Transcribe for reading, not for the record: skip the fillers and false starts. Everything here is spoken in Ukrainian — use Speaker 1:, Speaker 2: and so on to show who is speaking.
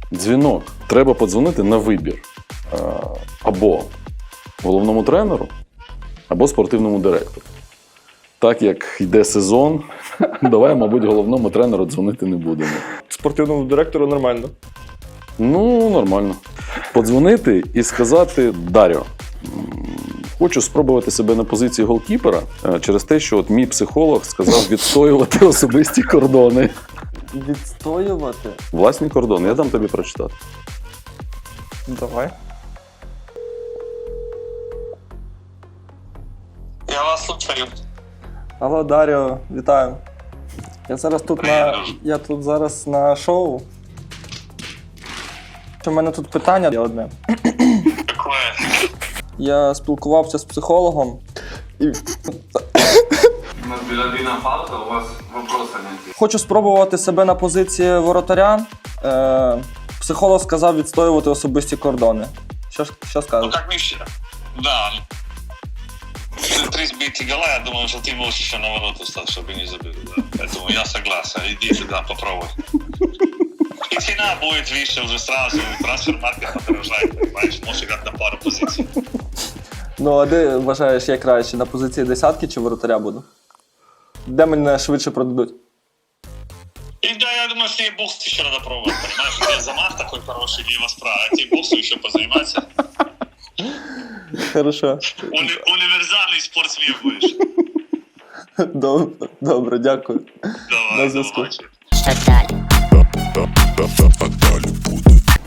Speaker 1: Дзвінок. Треба подзвонити на вибір. Або головному тренеру, або спортивному директору. Так як йде сезон, давай, мабуть, головному тренеру дзвонити не будемо.
Speaker 2: Спортивному директору нормально.
Speaker 1: Ну, нормально. Подзвонити і сказати: Дар'о, хочу спробувати себе на позиції голкіпера через те, що от мій психолог сказав відстоювати особисті кордони.
Speaker 2: Відстоювати?
Speaker 1: Власні кордони. Я дам тобі прочитати.
Speaker 2: Давай.
Speaker 3: Я вас слухаю.
Speaker 2: Алло, Дар'о, вітаю. Я тут зараз на шоу. У мене тут питання є одне.
Speaker 3: Какое?
Speaker 2: Я спілкувався з психологом. І
Speaker 4: У нас белодина палка, у вас вопроса нет.
Speaker 2: хочу спробувати себе на позиції воротаря. Психолог сказав відстоювати особисті кордони. Що
Speaker 3: Ну
Speaker 2: скажеш?
Speaker 3: как Миша? Да. 3 сбитых гола, я думаю, что ты можешь еще на ворота стать, чтобы не забыл. Да. Поэтому я согласен. Иди сюда, попробуй. И цена будет выше уже сразу. Трансфер-маркет подорожает, понимаешь? Можешь играть на пару позиций.
Speaker 2: Ну, а де вважаєш, я краще? На позиції десятки чи воротаря буду? Де мене швидше продадуть?
Speaker 3: И да, я думаю, что тебе бокс еще надо пробовать, понимаешь? У тебя замах такой хороший, лево справа, а тебе боксу еще позаниматься.
Speaker 2: Хорошо.
Speaker 3: Универсальный спортсмен будешь.
Speaker 2: Добре, дякую.
Speaker 3: Давай,
Speaker 2: На зв'язку.
Speaker 3: давай.
Speaker 5: Что далі?